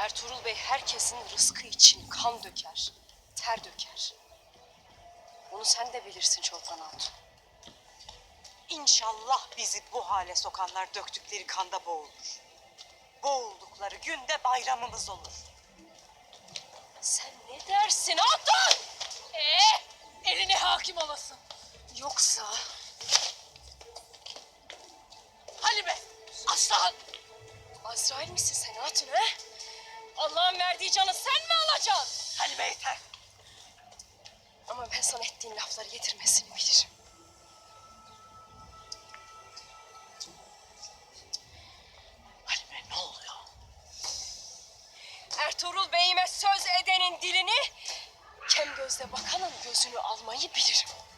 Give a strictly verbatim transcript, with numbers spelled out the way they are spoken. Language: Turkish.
Ertuğrul Bey herkesin rızkı için kan döker, ter döker. Bunu sen de bilirsin Çolpan Hatun. İnşallah bizi bu hale sokanlar döktükleri kanda boğulur. Boğuldukları günde bayramımız olur. Sen ne dersin Hatun? Ee, eline hakim olasın. Yoksa Halime, aslan. Azrail misin sen Hatun ha? Allah'ın verdiği canı sen mi alacaksın? Halime yeter. Ama ben sana ettiğin lafları getirmesini bilirim. Halime ne oluyor? Ertuğrul Bey'ime söz edenin dilini, kem gözle bakanın gözünü almayı bilirim.